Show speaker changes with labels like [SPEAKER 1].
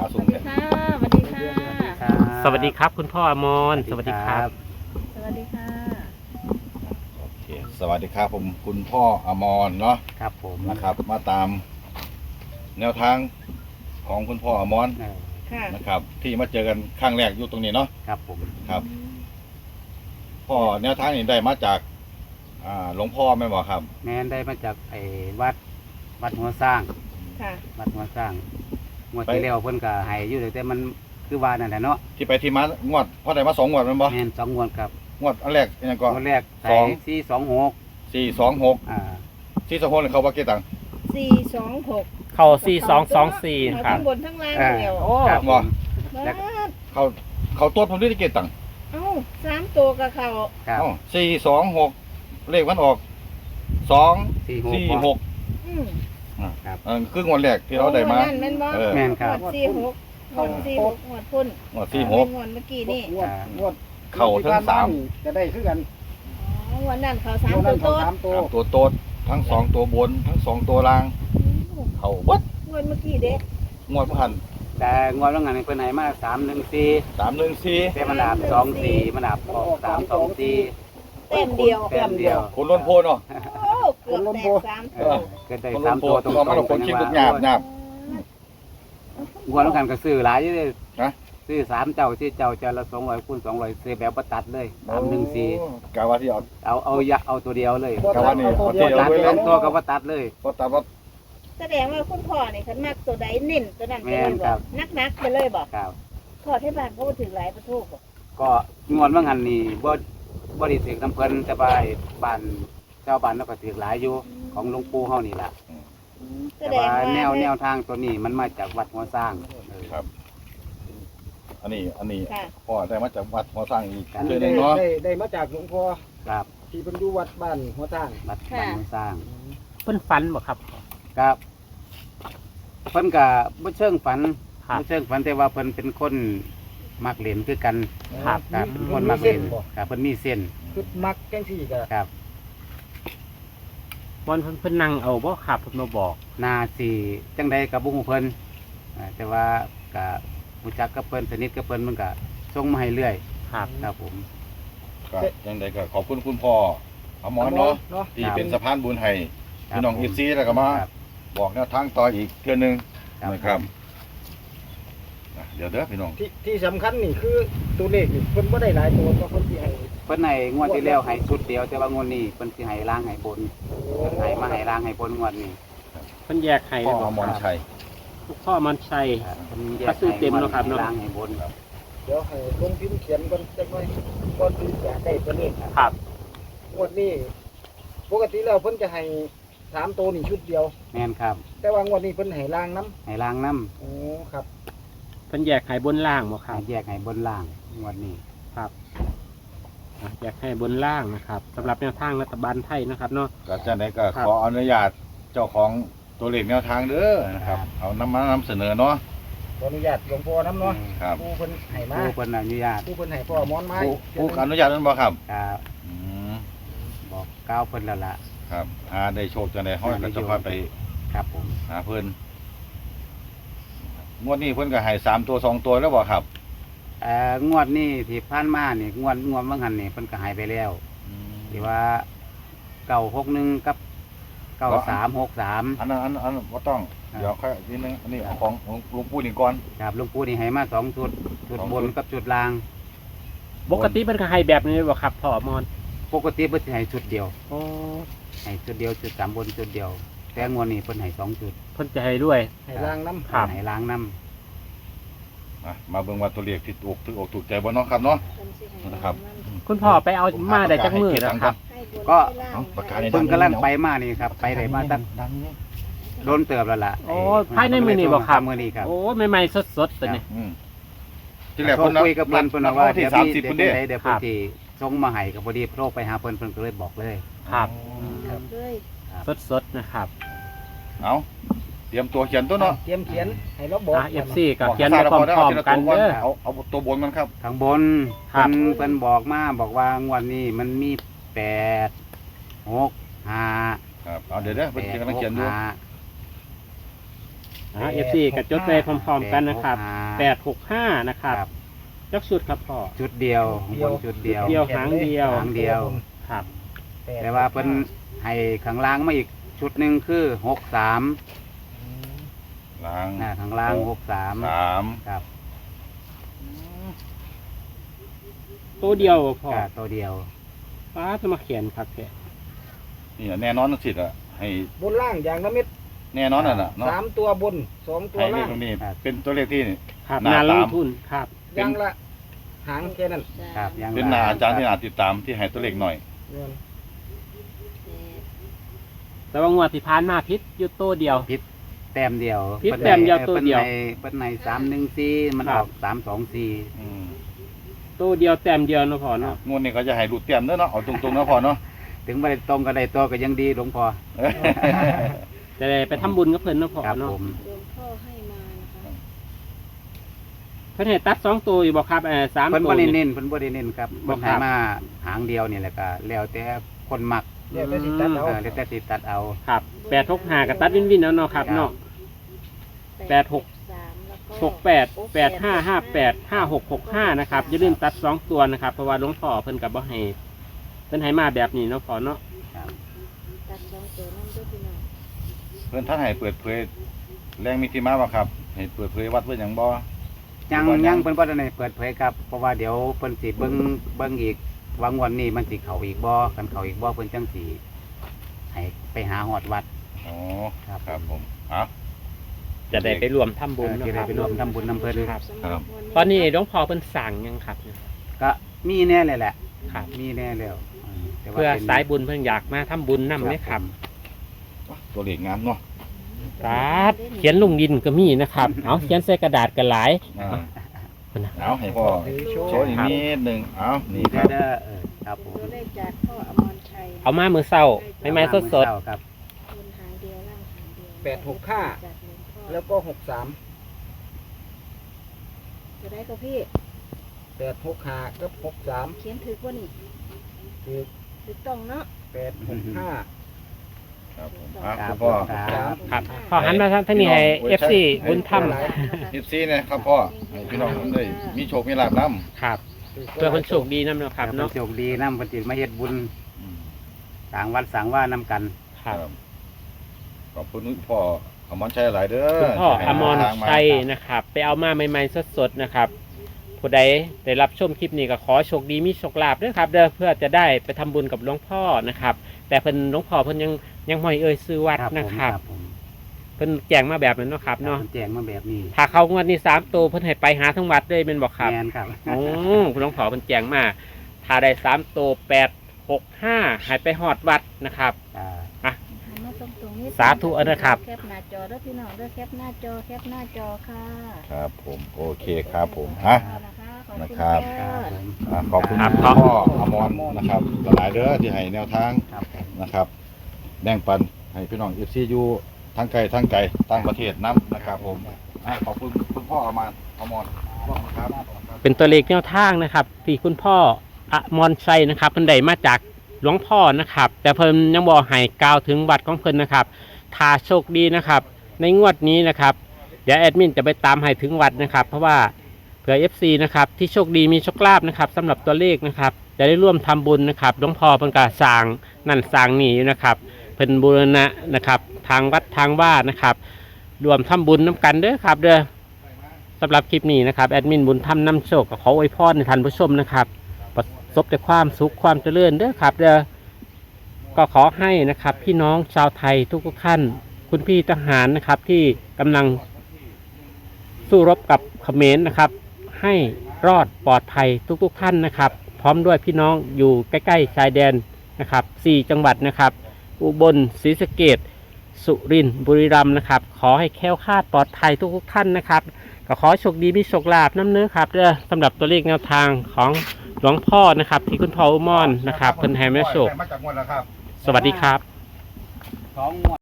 [SPEAKER 1] สูงเนี่ย
[SPEAKER 2] สวัสดีค่ะ
[SPEAKER 3] สวัสดีครับคุณพ่ออมรสวัสดีครับ
[SPEAKER 2] สวัสดีค่ะ
[SPEAKER 1] โอเคสวัสดีครับผมคุณพ่ออมรเนาะ
[SPEAKER 3] ครับผม
[SPEAKER 1] นะครับ มาตามแนวทางของคุณพ่ออมร
[SPEAKER 2] ค่ะ
[SPEAKER 1] นะครับ ที่มาเจอกันครั้งแรกอยู่ตรงนี้เนาะ
[SPEAKER 3] ครับผม
[SPEAKER 1] ครับพ่อแนวทางนี้ได้มาจากหลวงพ่อแม่นบอกครับ
[SPEAKER 3] แม่นได้มาจากไอ้วัดหัวสร้าง
[SPEAKER 2] ค่ะ
[SPEAKER 3] วัดหัวสร้างงวดที่แล้วเพิ่นก็ให้อยู่แต่มันคือว่านั่นแหละเนาะ
[SPEAKER 1] ที่ไปที่มางวดพ่อได้มา2งวดแม่นบ่
[SPEAKER 3] แม่น2งวดครับ
[SPEAKER 1] งวดอันแรกเป็นหยังก่อน
[SPEAKER 3] งวดแรก
[SPEAKER 1] ส
[SPEAKER 3] ใส่
[SPEAKER 1] อง
[SPEAKER 3] 426
[SPEAKER 1] 426 426นี่เขาว่ากี่ตังค์
[SPEAKER 2] 426
[SPEAKER 4] เข้า4224ครับ
[SPEAKER 2] ทั้งบนทั้งล่างเดียว
[SPEAKER 3] โอ้ครับ
[SPEAKER 1] บ่
[SPEAKER 2] บ้าด
[SPEAKER 1] เขาตัวผมได้กี่ตังค์
[SPEAKER 2] เอ้า3ตัวกับเขา
[SPEAKER 3] ครับ
[SPEAKER 1] อ๋อ426เลขมันออก246
[SPEAKER 2] อืม
[SPEAKER 1] คืองวดแรกที่เราได้มา
[SPEAKER 2] นั่นแม่นบ่
[SPEAKER 1] เออ
[SPEAKER 3] แม่นครับ
[SPEAKER 2] หมวด46หมวด46หมวดพุ่น
[SPEAKER 1] งวด
[SPEAKER 2] หมวดเมื่อกี้นี่
[SPEAKER 5] งวด
[SPEAKER 1] 46เข้าทั้งสาม
[SPEAKER 5] จะได้คือกัน
[SPEAKER 2] อ๋อวันนั้นเขา
[SPEAKER 5] งวด
[SPEAKER 2] 3
[SPEAKER 5] นั้
[SPEAKER 2] ตัวน โต๊ด
[SPEAKER 5] เขาสามตัว
[SPEAKER 1] ตัวโตดทั้ง2ตัวบนทั้ง2ตัวล่างเข้าวัด
[SPEAKER 2] งวดเมื่อกี้เด้
[SPEAKER 1] งวดพัน
[SPEAKER 3] แต่งวดว่างานเพิ่นให้มา314
[SPEAKER 1] 314
[SPEAKER 3] แต่มันดับ24มันดับออก324
[SPEAKER 2] เต็มเดียว
[SPEAKER 3] แต้มเดียว
[SPEAKER 1] คนล้นโพเนาะ
[SPEAKER 2] โอ้เกือบแตก3
[SPEAKER 3] เอ
[SPEAKER 2] ตัว
[SPEAKER 3] อเกิดได้
[SPEAKER 1] คนล้น
[SPEAKER 3] 3
[SPEAKER 1] โพ
[SPEAKER 3] ตัวตร
[SPEAKER 1] ตัวมัน
[SPEAKER 3] ง
[SPEAKER 1] คนคิดทุกหยาบหยาบ
[SPEAKER 3] งวดว่างานก็ซื้อหลายอยู่เด้
[SPEAKER 1] นะ
[SPEAKER 3] ซื้อ3เจ้า4เจ้าเจ้าละ200คูณ200ซื้อแบบบ่ตัดเลย314
[SPEAKER 1] กะว่าที่เอา
[SPEAKER 3] เอาตัวเดียวเลย
[SPEAKER 1] กะว่านี่เอา
[SPEAKER 3] ตั
[SPEAKER 1] เที่ยว
[SPEAKER 3] ตัด
[SPEAKER 1] ไว้เล
[SPEAKER 3] สอย งตัวก็ว่าตัดเลย
[SPEAKER 1] ก็ตามว่า
[SPEAKER 2] แสดงว่าคุณพ่อนี่คันมักตัวใดเน้นตัวนั้นไปเลย
[SPEAKER 3] แม่น
[SPEAKER 2] บ
[SPEAKER 3] ครั
[SPEAKER 2] อบ กนักๆไปเลยบอก
[SPEAKER 3] ครับ
[SPEAKER 2] พ่อที่บ้านเขาบ่ถึงหลายประตูบ่
[SPEAKER 3] ก็งวดว่างานนี่บ่ได้ถือน้ำเพิ่นแต่ว่าไอ้บ้านชาวบ้านเราก็ถือหลายอยู่ของหลวงปู่เฮานี่ล่ะ
[SPEAKER 2] แส
[SPEAKER 3] แต่
[SPEAKER 2] ดง
[SPEAKER 3] ว่า
[SPEAKER 2] ว่า
[SPEAKER 3] แนวทางตัวนี้มันมาจากวัดหัวสร้างเออ
[SPEAKER 1] ครับ อันนี้
[SPEAKER 2] ค่ะ
[SPEAKER 1] พ่อได้มาจากวัดหัวสร้างอีก
[SPEAKER 3] ครับ
[SPEAKER 1] เดือนหนึงเนาะ
[SPEAKER 5] ได้มาจากหลวงพ่อ
[SPEAKER 3] ครับ
[SPEAKER 5] ที่เป็นอยู่วัดบ้านหัวทาง
[SPEAKER 3] วัดหัวสร้าง
[SPEAKER 4] เพิ่นฝันบ่ครับ
[SPEAKER 3] ครับเพิ่นก็บ่เชิงฝัน
[SPEAKER 4] ครับ
[SPEAKER 3] บ่เชิงฝันแต่ว่าเพิ่นเป็นคนมักเล่นคือกัน
[SPEAKER 4] ครับ
[SPEAKER 3] ครับเป็นคนมักเล่นครับเพิ่นมีเส้น
[SPEAKER 5] คือมักจังสี่ก็
[SPEAKER 3] ครับ
[SPEAKER 4] บอนเพิ่นนั่งเอาบ่ครับเพิ่นมาบอก
[SPEAKER 3] นาสิจังใดกับบุ้งเพิ่นแต่ว่าก็รู้จักกับเพิ่นสนิทกับเพิ่นมันก็ส่งมาให้เรื่อย
[SPEAKER 4] ครับ
[SPEAKER 3] ครับผม
[SPEAKER 1] ก็ยังไงก็ขอบคุณคุณพ่ออมรเนาะ
[SPEAKER 5] เนาะ
[SPEAKER 1] ที่เป็นสะพานบุญให้
[SPEAKER 3] ครับ
[SPEAKER 1] พี่น้อง
[SPEAKER 3] ผม
[SPEAKER 1] อีซีแล้วก็มา
[SPEAKER 3] ครับ
[SPEAKER 1] บอกแนวทางต่ออีกเดือนหนึง
[SPEAKER 3] ครับ
[SPEAKER 1] นะครับเดี๋ยวเด้อพี่น้อง
[SPEAKER 5] ที่สำคัญนี่คือตัวเลขนี่เพิ่นบ่ได้หลายตัวเพราะเพิ่นสิให้
[SPEAKER 3] เพิ่นให้งวดที่แล้วให้ชุดเดียวแต่ว่างวดนี้เพิ่นสิให้ล้างให้บนเพิ่นให้มาให้ล้างให้บนงวดนี้
[SPEAKER 4] เพิ่นแยกให้
[SPEAKER 1] พ่อ
[SPEAKER 4] เลย
[SPEAKER 1] อ
[SPEAKER 4] บ่
[SPEAKER 1] มรชัย
[SPEAKER 4] พ่อมันชัย
[SPEAKER 3] ครับเพิ่นแย
[SPEAKER 4] ก็
[SPEAKER 3] ก
[SPEAKER 4] ซื้อ
[SPEAKER 3] ให้
[SPEAKER 4] เต็มแล้วครับเนอะ
[SPEAKER 3] ล้างให้บน
[SPEAKER 5] เดี๋ยวให้ลงพิมพ์เขียนก่อนจักหน่อยก่อนที่จะได้ตัวเลข
[SPEAKER 4] ครับ
[SPEAKER 5] งวดนี้ปกติแล้วเพิ่นจะให้3ตัวนี่ชุดเดียว
[SPEAKER 3] แม่นครับ
[SPEAKER 5] แต่ว่างวดนี้เพิ่นให้ล่างน้
[SPEAKER 3] ให้ล้างน้
[SPEAKER 5] ำโอ้ครับ
[SPEAKER 4] เพิ่นแยกให้บนล่างบ่
[SPEAKER 3] ำ
[SPEAKER 4] ครั
[SPEAKER 3] ให้
[SPEAKER 4] บ
[SPEAKER 3] แยกให้บนล่างงวดนี้
[SPEAKER 4] แยกให้บนล่างนะครับสำหรับแนวทางรัฐบาลไทยนะครับเนาะ
[SPEAKER 1] ก็จะได้ก็
[SPEAKER 4] ครับ
[SPEAKER 1] ขออนุญาตเจ้าของตัวเลขแนวทางเด้อนะครับ เอามานำเสนอเนาะ
[SPEAKER 5] ขออนุญาตหลวงพ่อน้ำเนาะ
[SPEAKER 1] ครับ
[SPEAKER 5] ผู้เพิ่นให้มา
[SPEAKER 3] ผู้เพิ่นอนุญาต
[SPEAKER 5] ผู้เพิ่นให้พ่อมอนไม้
[SPEAKER 1] ผู้อนุญาตนั้นบ่ครับ
[SPEAKER 3] ครับ
[SPEAKER 1] อืม
[SPEAKER 3] บอกกล่าวเพิ่นแล้วล่ะ
[SPEAKER 1] ครับได้โชคจังได๋ห้อยก็จะพาไป
[SPEAKER 3] ครับผม
[SPEAKER 1] หาเพิ่นงวดนี้เพิ่นก็ให้3ตัว2ตัวแล้วบ่ครับ
[SPEAKER 3] งวดนี้ที่ผ่านมานี่งวดบางหันนี่เพิ่นก็ใหายไปแล้วที่ว่า961กับ9363
[SPEAKER 1] อันนั้นบ่ต้อง
[SPEAKER 3] ครับ
[SPEAKER 1] เดี๋ยวค่อยนิดนึงอันนี้เอาของหลวงปู่นี่ก่อน
[SPEAKER 3] ครับหลวงปู่นี่ให้มา2ชุดชุด
[SPEAKER 1] สอง
[SPEAKER 3] บ
[SPEAKER 1] ชุ
[SPEAKER 3] น
[SPEAKER 1] ด
[SPEAKER 3] กับชุดล่าง
[SPEAKER 4] ปกติเพิ่นก็ให้แบบนี้บ่ครับพ่ออมร
[SPEAKER 3] ปกติเพิ่นสิให้ชุดเดียว
[SPEAKER 4] โอ้
[SPEAKER 3] ให้ชุดเดียวชุดสามบนชุดเดียว แต่งวดนี้เพิ่นให้2ชุด
[SPEAKER 4] เพิ่นจะให้ด้วย
[SPEAKER 5] ให้ล่างน้ำ
[SPEAKER 4] ครับ
[SPEAKER 3] ให้ล้างน้
[SPEAKER 1] มาเบิ่งว่าตัวเลขที่ถูกใจบ่เนาะครับเนาะ
[SPEAKER 2] เพิ่นสิให้
[SPEAKER 1] นะครับ
[SPEAKER 4] คุณพ่อไปเอามาได้จักมือแล้วครับ
[SPEAKER 2] ให้บน
[SPEAKER 3] ก็
[SPEAKER 2] ให้ล่าง
[SPEAKER 1] เอาปากกา
[SPEAKER 3] ำ
[SPEAKER 1] นี่
[SPEAKER 3] เพิ่นกำลังไปมานี่ครับไปได้มาตั้ง
[SPEAKER 1] ดังนี่
[SPEAKER 3] โดนเติบแล้วล่ะ
[SPEAKER 4] โอ้ภายในมื้อนี้บ่ครับ
[SPEAKER 3] มื้อนี้ครับ
[SPEAKER 4] โอ้ใหม่ๆสดๆตัวนี้
[SPEAKER 1] ที่แรก
[SPEAKER 3] โทร
[SPEAKER 1] เพิ่น
[SPEAKER 3] คุยกับเพิ่นเพิ่นว่า
[SPEAKER 1] ที่
[SPEAKER 3] เดี๋ยว
[SPEAKER 1] 30
[SPEAKER 3] เดี๋
[SPEAKER 1] เพิ่
[SPEAKER 3] ย
[SPEAKER 1] นเด้
[SPEAKER 3] วเพิ่นสิส่งมาให้ก็พอดีโทรไปหาเพิ่นก็เลยบอกเลย
[SPEAKER 4] ครับ
[SPEAKER 2] ครับเลย
[SPEAKER 4] สดๆนะครับ
[SPEAKER 1] เอาเตรียมตัวเขียนตัวเนาะ
[SPEAKER 5] เตรียมเขียนให้เราบอก
[SPEAKER 4] FC ก็เขียนไปพร้อมๆกันเด้อ
[SPEAKER 1] เอาตัวบนมันครับ
[SPEAKER 3] ข้างบน
[SPEAKER 4] ครับ
[SPEAKER 3] เพิ่นบอกมาบอกว่างวดนี้มันมี8 6 5
[SPEAKER 1] ครับเอาเดี๋ยวเพิ่นกำลังเขียนดู
[SPEAKER 3] 8 6 5
[SPEAKER 4] FC ก็จดไปพร้อมๆกันนะครับ
[SPEAKER 3] 8 6 5
[SPEAKER 4] 865นะครับจักชุดครับพ่อ
[SPEAKER 3] ชุดเดียวบนชุดเดียว
[SPEAKER 4] เดียวหางเดียว
[SPEAKER 3] หางเดียว
[SPEAKER 4] ครับ
[SPEAKER 3] แต่ว่าเพิ่นให้ข้างล่างมาอีกชุดหนึ่งคือ63
[SPEAKER 1] ล้าง
[SPEAKER 3] ข้างล่าง63
[SPEAKER 1] 3
[SPEAKER 3] ครับ
[SPEAKER 4] ตัวเดียวพ่อ
[SPEAKER 3] ก็ตัวเดียว
[SPEAKER 4] ป้าจะมาเขียนครับแก
[SPEAKER 1] นี่แน่นอนสิอ่ะให้
[SPEAKER 5] บนล่างอย่างละเม็ด
[SPEAKER 1] แน่นอนน่ะเนาะ
[SPEAKER 5] 3 ตัวบน 2 ตัว
[SPEAKER 1] ให้เล
[SPEAKER 5] ล่า
[SPEAKER 1] ข
[SPEAKER 5] ง
[SPEAKER 1] ตรงนี้เป็นตัวเลขที่
[SPEAKER 4] ครับ
[SPEAKER 1] หน้า
[SPEAKER 4] นาลง
[SPEAKER 1] ตาม
[SPEAKER 4] ทุนครับ
[SPEAKER 5] อย่างละหางแค่นั้น
[SPEAKER 3] ครับยัง
[SPEAKER 1] เป็นหน้าอาจารย์ที่น่าติดตามที่ให้ตัวเลขหน่อย
[SPEAKER 5] เงิน
[SPEAKER 4] แต่ว่างวดที่ผ่านมาพิษอยู่ตัวเดียว
[SPEAKER 3] แต้มเดียว
[SPEAKER 4] พิษแต้มเดียวตัวเดียว
[SPEAKER 3] เพิ่นใน314มันออก
[SPEAKER 1] อืม
[SPEAKER 4] ตัวเดียวแต้มเดียวเนาะพ่อเนาะ
[SPEAKER 1] งวดนี้ก็จะให้รูดเตรียมเด้อเนาะเอาตรงๆนะพ่อเนาะ
[SPEAKER 3] 3ถึงบ่ได้ตรงก็ได้ตัวก็ยังดีหลวงพ่อ
[SPEAKER 4] จะได้ไปทำบุญกับเพิ่นเนาะพ่อ
[SPEAKER 3] ครับ
[SPEAKER 4] เนาะ
[SPEAKER 3] ผม
[SPEAKER 2] หลวงพ่อให้มานะคะ
[SPEAKER 4] เพิ่นให้ตัด2ตัวอยู่บ่ครับ3
[SPEAKER 3] เพิ่น
[SPEAKER 4] ตัว
[SPEAKER 3] บ่ได้
[SPEAKER 4] นี่
[SPEAKER 3] เน้นเพิ่นบ่ได้เน้นครับ
[SPEAKER 4] บ่
[SPEAKER 3] เพิ่น
[SPEAKER 4] ครั
[SPEAKER 3] ให้
[SPEAKER 4] บ
[SPEAKER 3] มาหางเดียวนี่แหละก็แล้วแต่คนมัก
[SPEAKER 5] เดี๋ยวจะสิตัดเอา
[SPEAKER 3] แล้วแต่สิตัดเอา
[SPEAKER 4] ครับ865กับตัดวินแล้วเนาะครับเนาะ
[SPEAKER 2] 863แล้วก็
[SPEAKER 4] 68 8558 5665นะครับอย่าลืมตัด2ตัวนะครับเพราะว่าหลวงพ่อเพิ่นก็บ่ให้เพิ่นให้มาแบบนี้เนาะพ่อเนาะ
[SPEAKER 3] ครับ
[SPEAKER 2] ตัด2ตัวนั่นด้วยพี่น้อง
[SPEAKER 1] เพิ่นท่านให้เปิดเผยแรงมีที่มาบ่ครับให้เปิดเผยวัดเพิ่นหยังบ่
[SPEAKER 3] ยังเพิ่นบ่ได้เปิดเผยครับเพราะว่าเดี๋ยวเพิ่นสิเบิ่งอีกว่างวดนี้มันสิเข้าอีกบ่กันเข้าอีกบ่เพิ่นจังสิให้ไปหาฮอดวัด
[SPEAKER 1] อ๋อ
[SPEAKER 3] ครับ
[SPEAKER 1] ครับผมอ่ะ
[SPEAKER 4] จะได้ไปรวมทำบุญ
[SPEAKER 3] ที่
[SPEAKER 4] นะค
[SPEAKER 3] ได้
[SPEAKER 4] รับ
[SPEAKER 3] ไปร่วมทำบุญนำเพิ่น
[SPEAKER 4] ครับ
[SPEAKER 1] ครับ
[SPEAKER 4] ตอนนี้หลวงพ่อเพิ่นสั่งยังครับ
[SPEAKER 3] ก็มีแน่เลยแหละ
[SPEAKER 4] ครับ
[SPEAKER 3] มีแน่แล้วแต่ว่
[SPEAKER 4] เพื่อ
[SPEAKER 3] ป็น
[SPEAKER 4] สายบุญเพิ่นอยากมาทำบุญนำไหมครับ
[SPEAKER 1] ตัวเลขงามเนาะ
[SPEAKER 4] ครับเขียนลงดินก็มีนะครับเอาเขียนใส่กระดาษกันหลาย
[SPEAKER 1] อ่า
[SPEAKER 4] พุ่นนะ
[SPEAKER 1] เอาให้พ่อโชว์อีกนิดหนึงเอานี่ค
[SPEAKER 3] เด้
[SPEAKER 1] รับ
[SPEAKER 3] ครับผม
[SPEAKER 2] ตัวเลขจากพ่ออมรชัย
[SPEAKER 4] เอามามือเศร้าไม่ไม้สด
[SPEAKER 3] ครับ
[SPEAKER 2] บนหางเดียวล่างหางเดียว
[SPEAKER 5] 865
[SPEAKER 2] จากหลวงพ่อ
[SPEAKER 5] แล้วก็63
[SPEAKER 2] จะได้กับพี่
[SPEAKER 5] 865กับ63
[SPEAKER 2] เขียนถือว่านี่
[SPEAKER 5] คือ
[SPEAKER 2] ถูกต้องเนาะ
[SPEAKER 5] 865
[SPEAKER 1] ครับผมอ่ะคุณพ่อ
[SPEAKER 3] ครับ
[SPEAKER 4] ๆครับพอหันมาทางนี้ให้ FC บุญธรรม
[SPEAKER 1] 14นะครับพ่อให้พี่น้องได้มีโชคมีลาภนำ
[SPEAKER 4] ครับเพื่อคนโชคดีนำเนาะครับ
[SPEAKER 3] เนาะ
[SPEAKER 4] เนาะ
[SPEAKER 3] โชคดีนำเพิ่นสิมาเฮ็ดบุญสร้างวัดสร้างว่านำกัน
[SPEAKER 4] ครับ
[SPEAKER 1] ขอบคุณคุณพ่ออมรชัยหลายเด้อ
[SPEAKER 4] คุณพ่ออมร
[SPEAKER 1] ทางา
[SPEAKER 4] ชัยนะครับ ไปเอามาใหม่ๆสดๆนะครับผู้ใดได้รับชมคลิปนี้ก็ขอโชคดีมีโชคลาภด้วยครับเด้อเพื่อจะได้ไปทำบุญกับหลวงพ่อนะครับ แต่เพิ่นหลวงพ่อเพิ่นยังไม่เอ่ยซื้อวัดนะครับ
[SPEAKER 3] ผม
[SPEAKER 4] เพิ่นแจ้งมาแบบนั้นเนาะครับเนาะ
[SPEAKER 3] เพิ่นแจ้งมาแบบนี้
[SPEAKER 4] ถ้าเขางวดนี้3ตัวเพิ่นให้ไปหาทั้งวัดเลยเป็นบอกครับ
[SPEAKER 3] แม่นครับ
[SPEAKER 4] โอ้คุณหลวงพ่อเพิ่นแจ้งมาถ้าได้3ตัว865ให้ไปฮอดวัดนะครับ
[SPEAKER 3] อ่า
[SPEAKER 2] หันมาตรงๆนี้
[SPEAKER 4] สาธุนะครับ
[SPEAKER 2] แคปหน้าจอแล้วพี่น้องเด้อแคปหน้าจอแคปหน้าจอค่ะ
[SPEAKER 1] ครับผมโอเคครับผมฮะ นะครับ
[SPEAKER 2] ขอบคุณ
[SPEAKER 1] ขอบคุณ
[SPEAKER 4] ครับ
[SPEAKER 1] พ่ออมรนะครับหลายๆเด้อที่ให้แนวทาง
[SPEAKER 3] ครับผม
[SPEAKER 1] นะครับแบ่งปันให้พี่น้อง FC อยู่ทั้งไกลทั้งไกลต่างประเทศนํนะครับผมอ่ะขอบคุณคุณพ่ออมรครับ
[SPEAKER 4] เป็นตัวเลขแนวทางนะครับที่คุณพ่ออมรชัยนะครับเพิ่นได้มาจากหลวงพ่อนะครับ แต่เพิ่นยังบอกให้กล่าวถึงวัดของเพิ่นนะครับถ้าโชคดีนะครับ ในงวดนี้นะครับเดี๋ยวแอดมินจะไปตามให้ถึงวัดนะครับ เพราะว่าเผื่อ FC นะครับที่โชคดีมีโชคลาภนะครับสำหรับตัวเลขนะครับจะได้ร่วมทำบุญนะครับหลวงพ่อเพิ่นก็สร้างนั่นสร้างนี่อยู่นะครับเพิ่นบูรณะนะครับทางวัดทางว่านะครับรวมทำบุญน้ำกันเด้อครับเด้อสำหรับคลิปนี้นะครับแอดมินบุญธรรมนำโชคก็ขออวยพรในท่านผู้ชมนะครับประสบแต่ความสุขความเจริญเด้อครับเด้อก็ขอให้นะครับพี่น้องชาวไทยทุกๆท่านคุณพี่ทหารนะครับที่กำลังสู้รบกับเขมรนะครับให้รอดปลอดภัยทุกๆท่านนะครับพร้อมด้วยพี่น้องอยู่ใกล้ๆชายแดนนะครับ4จังหวัดนะครับอุบลศรีสะเกษสุรินทร์บุรีรัมย์นะครับขอให้แคล้วคลาดปลอดภัยทุกๆท่านนะครับก็ขอโชคดีมีโชคลาภน้ำเนื้อครับเด้อสำหรับตัวเลขแนวทางของหลวงพ่อนะครับที่คุณพ่ออุมรนะครับเพิ่นให้แม่โชค
[SPEAKER 1] มาจากงวดแล้วครับ
[SPEAKER 4] สวัสดีครับ
[SPEAKER 3] 2งวด